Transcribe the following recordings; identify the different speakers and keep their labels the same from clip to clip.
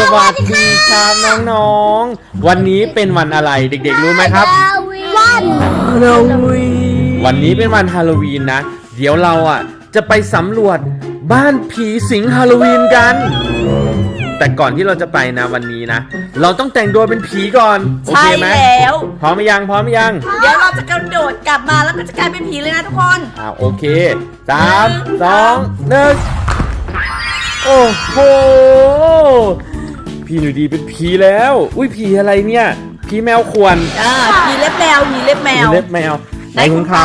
Speaker 1: วัสดีครับน้องๆวันนี้เป็นวันอะไรเด็กๆรู้ไหมครับ
Speaker 2: วัน
Speaker 1: ฮาโลวีนวันนี้เป็นวันฮาโลวีนนะเดี๋ยวเราจะไปสำรวจบ้านผีสิงฮาโลวีนกันแต่ก่อนที่เราจะไปนะวันนี้นะเราต้องแต่งตัวเป็นผีก่อนโอเคไหม
Speaker 3: ใช่แล้ว
Speaker 1: พร้อมหรือยังเดี๋
Speaker 3: ยวเราจะกระโดดกลับมาแล้วก็จะกลายเป็นผีเลยนะทุกคน
Speaker 1: โอเค3 2 1โอ้โหพี่หนูดีเป็นผีแล้วอุ้ยผีอะไรเนี่ยผีแมวขวน
Speaker 3: ผีเล็บแมวผีเล็บแมว
Speaker 1: ไหนของเขา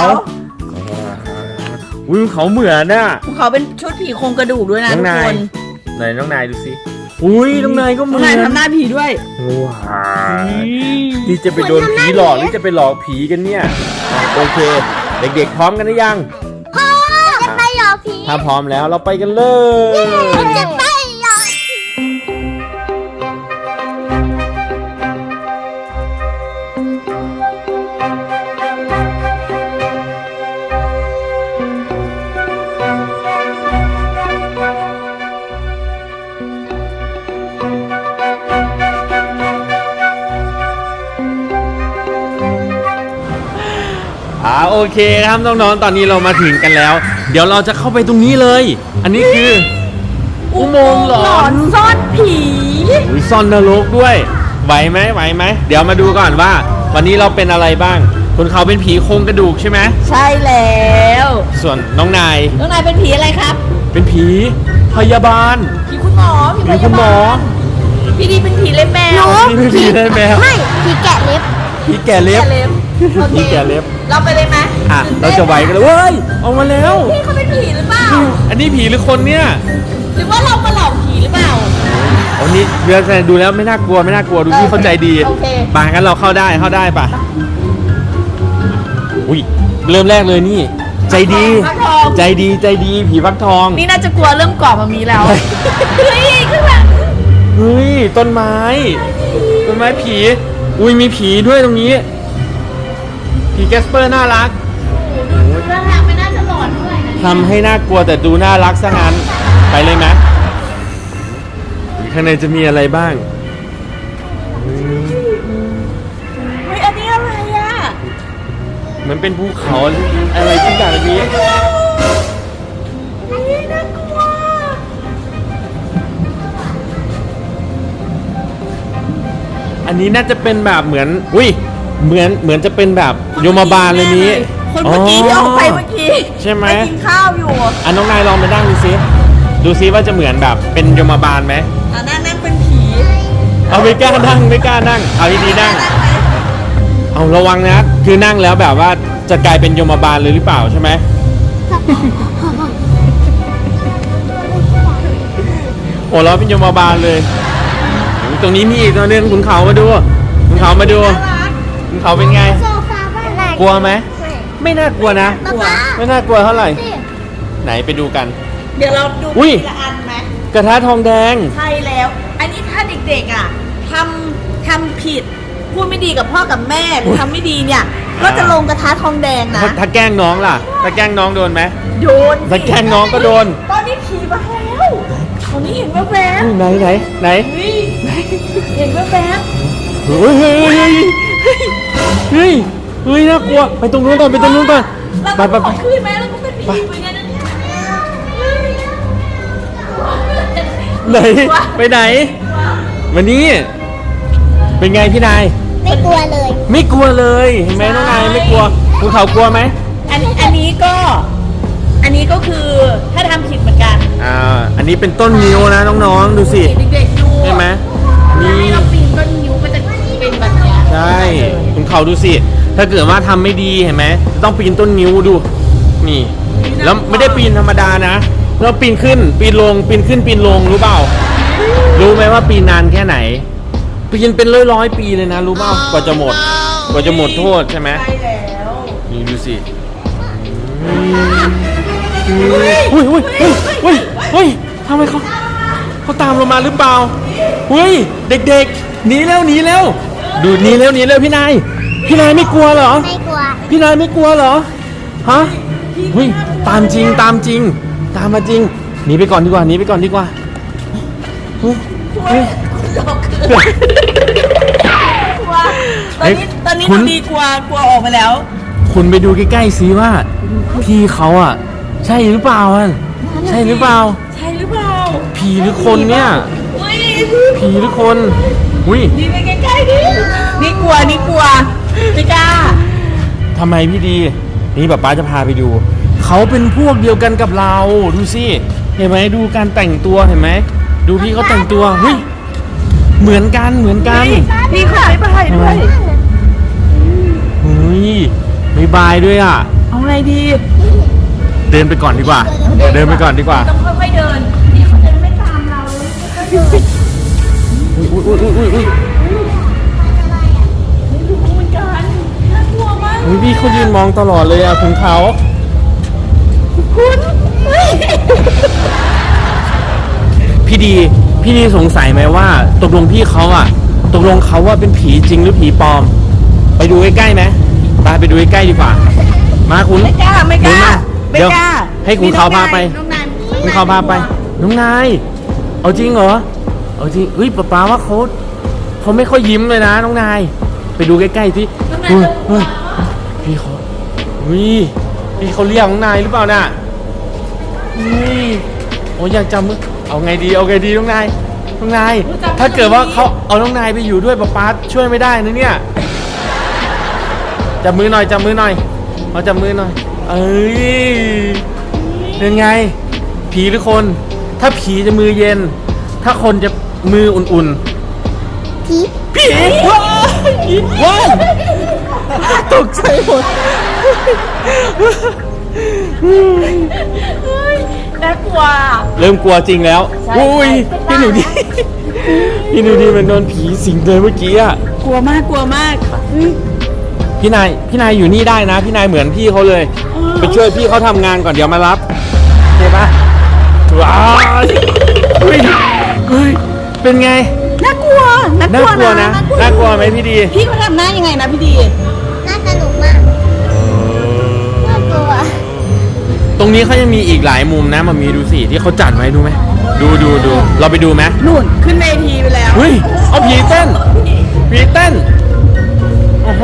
Speaker 1: อุ้ยเขาเหมือนน่ะ
Speaker 3: ของเขาเป็นชุดผีโครงกระดูกด้วยนะทุกคน
Speaker 1: ไหนน้องนายดูสิอุ้ยน้องนายก็เหมือน
Speaker 3: น้องนายทำหน้าผีด้วย
Speaker 1: ว้าวนี่จะไปโดนผีหลอกหรือจะไปหลอกผีกันเนี่ยโอเคเด็กๆพร้อมกันหรือยัง
Speaker 2: พ่อจะไปหลอกผี
Speaker 1: ถ้าพร้อมแล้วเราไปกันเลย
Speaker 2: จะไปหลอก
Speaker 1: โอเคครับน้องๆตอนนี้เรามาถึงกันแล้วเดี๋ยวเราจะเข้าไปตรงนี้เลยอันนี้คืออุโมงค์หลอน
Speaker 3: ซ่อนผี
Speaker 1: ซ่อนนรกด้วยไหวไหมเดี๋ยวมาดูก่อนว่าวันนี้เราเป็นอะไรบ้างคุณเขาเป็นผีโครงกระดูกใช่ไหม
Speaker 3: ใช่แล้ว
Speaker 1: ส่วนน้องนาย
Speaker 3: เป็นผีอะไรครับ
Speaker 1: เป็นผีพยาบาล
Speaker 3: ผีคุณหมอ
Speaker 1: ผีคุณหมอ
Speaker 3: พี่ดีเป็นผีเล็บแมว
Speaker 1: ผีเล็บแมว
Speaker 2: ไม่ผีแกะเล็บ
Speaker 1: ผีแกะเล็บ
Speaker 3: ผีแกะเล็บเราไปเลยไหม
Speaker 1: เราจะไหวกันเลยเว้ยออกมาแล้ว
Speaker 3: พี่เขาเป็นผีหรือเปล่า
Speaker 1: อันนี้ผีหรือคนเนี่ย
Speaker 3: หรือว่าเรามาหลอกผีหรือเปล่า
Speaker 1: อันนี้เรือแสดงดูแล้วไม่น่ากลัวดูพี่เข้าใจดีป่ะงั้นเราเข้าได้ป่ะอุ้ยเริ่มแรกเลยนี่ใจดีผีฟักทอง
Speaker 3: นี่น่าจะกลัวเริ่มก่อมามีแล้วเฮ้ยขึ้นมา
Speaker 1: เฮ้ยต้นไม้ผีอุ้ยมีผีด้วยตรงนี้ผีแกสเปอร์น่ารัก
Speaker 3: ท่าทางไม่น่าจะหลอนเท่าไหร่นะ
Speaker 1: ทำให้น่ากลัวแต่ดูน่ารักซะงั้นไปเลยไหมข้างในจะมีอะไรบ้าง
Speaker 3: เฮ้ยอันนี้อะไร
Speaker 1: เหมือนเป็นภูเขาอะไรทุกอย่างแบบนี้
Speaker 3: น่ากลัว
Speaker 1: อันนี้น่าจะเป็นแบบเหมือนจะเป็นแบบโยมบาลเลยนี้
Speaker 3: คนเมื่อกี้ที่ออกไปเมื่อกี้
Speaker 1: ใช่ไหม
Speaker 3: ไปกินข้าวอยู่
Speaker 1: น้องนายลองไปนั่งดูซิว่าจะเหมือนแบบเป็นโยมบาลไหม
Speaker 3: นั่งเป็นผี
Speaker 1: เอาไม่กล้านั่งเอาดีๆนั่งเอาระวังนะคือนั่งแล้วแบบว่าจะกลายเป็นโยมบาลเลยหรือเปล่าใช่ไหมโอ้เราเป็นโยมบาลเลยตรงนี้มีอีกตัวนึงคุณเขามาดูคุณเขาเป็นไงกลัวไหมไม่น่ากลัวนะไม่น่ากลัวเท่าไหร่ไหนไปดูกัน
Speaker 3: เดี๋ยวเราดูทีละอันไหม
Speaker 1: กระทะทองแดง
Speaker 3: ใช่แล้วอันนี้ถ้าเด็กๆทำผิดพูดไม่ดีกับพ่อกับแม่หรือทำไม่ดีเนี่ยก็จะลงกระทะทองแดงนะ
Speaker 1: ถ้าแกล้งน้องล่ะถ้าแกล้งน้องโดนไหม
Speaker 3: โดน
Speaker 1: ถ้าแกล้งน้องก็โดน
Speaker 3: ตอนนี้ผีมาแล้วตอนนี้เห็นแว๊บ
Speaker 1: ไหน
Speaker 3: เห็นแว๊บ
Speaker 1: เฮ้ยน่ากลัวไปตรงนู้นก่อนไป
Speaker 3: คืนไหมแล้วก็เป็นผีเหมือนกันนะ
Speaker 1: เนี่ยไปไหนวันนี้เป็นไงพี่นาย
Speaker 2: ไม่กลัว
Speaker 1: เลยเห็นไหมน้องนายไม่กลัวคุณเขากลัวไหม
Speaker 3: อันนี้ก็คือถ้าทำผิดเหมือนกัน
Speaker 1: อันนี้เป็นต้นนิ้วนะน้องๆดูสิ
Speaker 3: เด็กๆดู
Speaker 1: ใช่ไหม
Speaker 3: นี่เราปีนต้นนิ้วก็จะเป็นแบบนี้
Speaker 1: ใช่คุณเขาดูสิถ้าเกิดว่าทำไม่ดีเห็นไหมต้องปีนต้นนิ้วดูนี่แล้วไม่ได้ปีนธรรมดานะเราปีนขึ้นปีนลงปีนขึ้นปีนลงรู้เปล่ารู้ไหมว่าปีนนานแค่ไหนปีนเป็นร้อยปีเลยนะรู้เปล่ากว่าจะหมดโทษใช่ไหม
Speaker 3: ใช่แล้ว
Speaker 1: นี่ดูสิอุ้ยทำไมเขาตามเรามาหรือเปล่าเฮ้ยเด็กๆหนีแล้วดูหนีแล้วพี่นายไม่กลัวเหรอ
Speaker 2: ไม่กลัว
Speaker 1: พี่นายไม่กลัวเหรอฮะเฮ้ยตามจริงตามมาจริงหนีไปก่อนดีกว่าเฮ้ย
Speaker 3: ดอกคืนกลัวตอนนี้
Speaker 1: คุณ
Speaker 3: ดูดีกลัวออกไปแล้ว
Speaker 1: คุณไปดูใกล้ๆซิว่าพี่เขาอ่ะ ใช่หรือเปล่าอ่ะใช่หรือเปล่า
Speaker 3: ใช่หรือเปล่า
Speaker 1: ผีหรือคนเนี่ย
Speaker 3: อุ้ย
Speaker 1: ผีหรือคนอุ้ย
Speaker 3: ดีไปใกล้ๆดินี่กลัวไม่กล้า
Speaker 1: ทำไมพี่ดีนี่ป๊าจะพาไปดูเขาเป็นพวกเดียวกันกับเราดูสิเห็นไหมดูการแต่งตัวเห็นไหมดูพี่เขาแต่งตัวเฮ้ยเหมือนกัน
Speaker 3: นี่ขอไม่ไปด้วย
Speaker 1: เฮ้ยไม่บายด้วยอ่ะ
Speaker 3: เอาไงดี
Speaker 1: เดินไปก่อนดีกว่า เดินไปก่อนดีกว่า
Speaker 3: ต้องค่อยๆเดินนี่เขาจะไม่ตามเราค่อยๆเดิน
Speaker 1: อุ้ย
Speaker 3: ไม่รู้เหมือนกันน่ากลัวมาก
Speaker 1: อุ้ยพี่เขายืนมองตลอดเลยอ่ะคุณเขา
Speaker 3: คุณเฮ้ย
Speaker 1: พี่ดีสงสัยไหมว่าตกลงพี่เขาอ่ะตกลงเขาว่าเป็นผีจริงหรือผีปลอม ไปดูใกล้ๆไหมไปดูใกล้ๆดีกว่า มาคุณ
Speaker 3: ไม่กล้า
Speaker 1: เดี๋ยวให้คุณเขาพาไป
Speaker 3: น้องนาย
Speaker 1: คุณเขาพาไปน้องนายเอาจริงเหรอเอาจริงเฮ้ยป๊าว่าเขาไม่ค่อยยิ้มเลยนะน้องนายไปดูใกล้ๆสิ
Speaker 3: น้องนาย
Speaker 1: เฮ้ยพี่เขาพี่เขาเรียกน้องนายหรือเปล่าน่ะโอ้ยอยากจำมือเอาไงดีน้องนายถ้าเกิดว่าเขาเอาน้องนายไปอยู่ด้วยป๊าช่วยไม่ได้นะเนี่ยจับมือหน่อยเอาจับมือหน่อยเอ้ยเป็นไงผีหรือคนถ้าผีจะมือเย็น ถ้าคนจะมืออุ่น
Speaker 2: ผี
Speaker 1: ๆผีว้าวตกใจหมด
Speaker 3: น่ากลัว
Speaker 1: เริ่มกลัวจริงแล้ว
Speaker 3: ใช่
Speaker 1: อุ้ย
Speaker 3: ใช่
Speaker 1: พี่หนูดีมันโดนผีสิงเลยเมื่อกี้อ่ะ
Speaker 3: กลัวมาก
Speaker 1: พี่นายอยู่นี่ได้นะพี่นายเหมือนพี่เขาเลย ไปช่วยพี่เขาทำงานก่อนเดี๋ยวมารับโอเคปะว้าวเฮ้ยเป็นไง
Speaker 3: น่ากลัว
Speaker 1: น่ากลัวนะน่ากลัวไหมพี่ดี
Speaker 3: พี่เขาทำหน้ายังไงนะพี่ดี
Speaker 2: น่าสนุกมากน่ากลัว
Speaker 1: ตรงนี้เขายังมีอีกหลายมุมนะมามีดูสิที่เขาจัดไว้ดูไหมดูเราไปดูไหม
Speaker 3: นู่นขึ้นเวทีไปแล้ว
Speaker 1: เฮ้ยเอาผีเต้นโอ้โห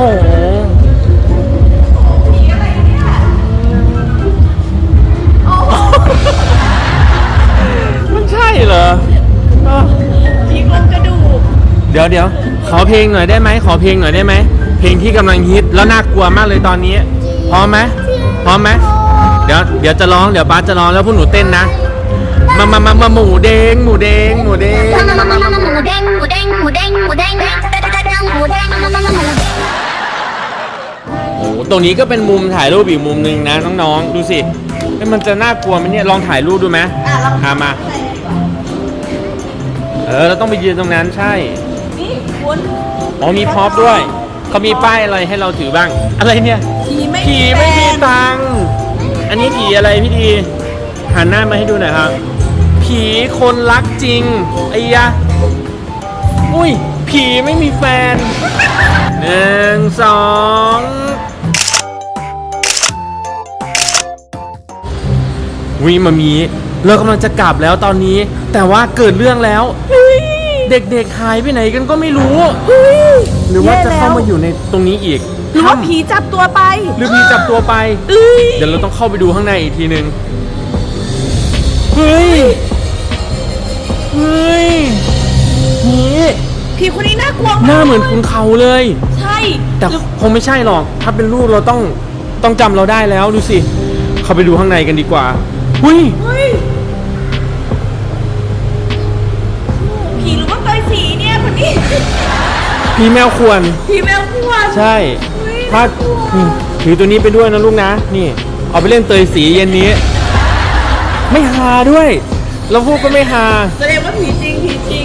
Speaker 1: มันใช่เหรอ
Speaker 3: ผีโครงกระดูก
Speaker 1: เดี๋ยวขอเพลงหน่อยได้ไหมเพลงที่กำลังฮิตแล้วน่ากลัวมากเลยตอนนี้พร้อมไหมเดี๋ยวจะร้องเดี๋ยวป้าจะร้องแล้วพวกหนูเต้นนะมาหมูเด้ง
Speaker 2: หมูเด้งหมูเด้งหมูเด้งหมูเด้งหมูเด้งหมูเด้งหมูเด้ง
Speaker 1: โอ้ตรงนี้ก็เป็นมุมถ่ายรูปอีกมุมหนึ่งนะน้องๆดูสิมันจะน่ากลัวไหมเนี่ยลองถ่ายรูปดูไหมมาเราต้องไปยืนตรงนั้นใช่
Speaker 3: นี่คุณ
Speaker 1: อ๋อมีพร็อพด้วยเขามีป้ายอะไรให้เราถือบ้างอะไรเนี่ยผีไม่มีตังค์อันนี้ผีอะไรพี่ดีหันหน้ามาให้ดูหน่อยครับผีคนรักจริงไอ้ยะอุ้ยผีไม่มีแฟน1 2วิมามีเรากำลังจะกลับแล้วตอนนี้แต่ว่าเกิดเรื่องแล้วเด็กๆหายไปไหนกันก็ไม่รู้หรือว่าจะเข้ามาอยู่ในตรงนี้อีก
Speaker 3: หรือว่าผีจับตัวไป
Speaker 1: หรือผีจับตัวไปเดี๋ยวเราต้องเข้าไปดูข้างในอีกทีนึงเฮ้ยนี่
Speaker 3: ผีคนนี้น่ากลัว
Speaker 1: หน้าเหมือนคุณเขาเลย
Speaker 3: ใช่
Speaker 1: แต่คงไม่ใช่หรอกถ้าเป็นรูปเราต้องจำเราได้แล้วดูสิเข้าไปดูข้างในกันดีกว่าเฮ้ย
Speaker 3: ผีหรือว่าเตยสีเนี่ยคนนี้
Speaker 1: ผีแมวควร
Speaker 3: ผีแมวขวด
Speaker 1: ใช่ถ้าถือตัวนี้ไปด้วยนะลูกนะนี่เอาไปเล่นเตยสีเย็นนี้ไม่ฮาด้วยเราพูดก็ไม่ฮา
Speaker 3: แสดงว่าผีจริง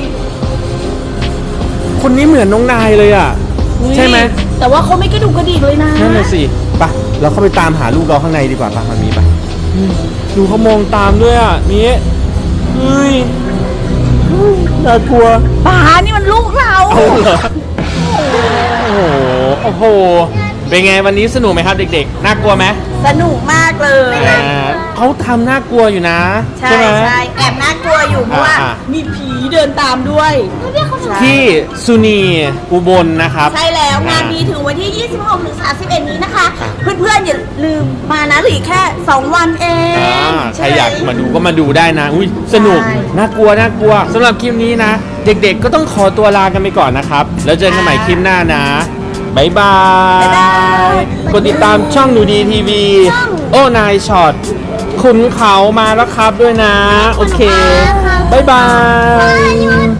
Speaker 1: คนนี้เหมือนน้องนายเลยอ่ะใช่ไหม
Speaker 3: แต่ว่าเขาไม่กระดูกกระดิกเลยนะ
Speaker 1: นั่นน่ะสิไปเราเข้าไปตามหาลูกเราข้างในดีกว่าป่ะมันมีป่ะดูเขามองตามด้วยอ่ะนี่เฮ้ยน่ากลัว
Speaker 3: ป๋านี่มันลูกเรา
Speaker 1: เอาเหรอโอ้โหเป็นไงวันนี้สนุกไหมครับเด็กๆน่ากลัวไหม
Speaker 2: ส
Speaker 3: สนุกมากเลย
Speaker 1: เขาทำน่ากลัวอยู่นะ
Speaker 3: ใช่
Speaker 1: ไหม
Speaker 3: ใช่แอบน่ากลัวอยู่เพราะว่า
Speaker 1: อ่า
Speaker 3: มีผีเดินตามด้วยใช่
Speaker 1: ที่สุนีอุบลนะครับ
Speaker 3: ใช่แล้วงานมีถึงวันที่ 26 ถึง 31 นี้นะคะ
Speaker 1: อ่า
Speaker 3: เพื่อนๆอย่าลืมมานะเหลืออกแค่ 2 วันเอง
Speaker 1: ใครอยากมาดูก็มาดูได้นะอุ้ยสนุก
Speaker 3: ใช่
Speaker 1: น่ากลัวน่ากลัวสำหรับคลิปนี้นะ เด็กๆก็ต้องขอตัวลากันไปก่อนนะครับ แล้วเจอกันใหม่คลิปหน้านะบายบาย
Speaker 3: บ๊ายบาย
Speaker 1: กดติดตามช่องหนูดีทีวีโอ้นายช็อตขุนเขามาแล้วครับด้วยนะ โอเคบายบาย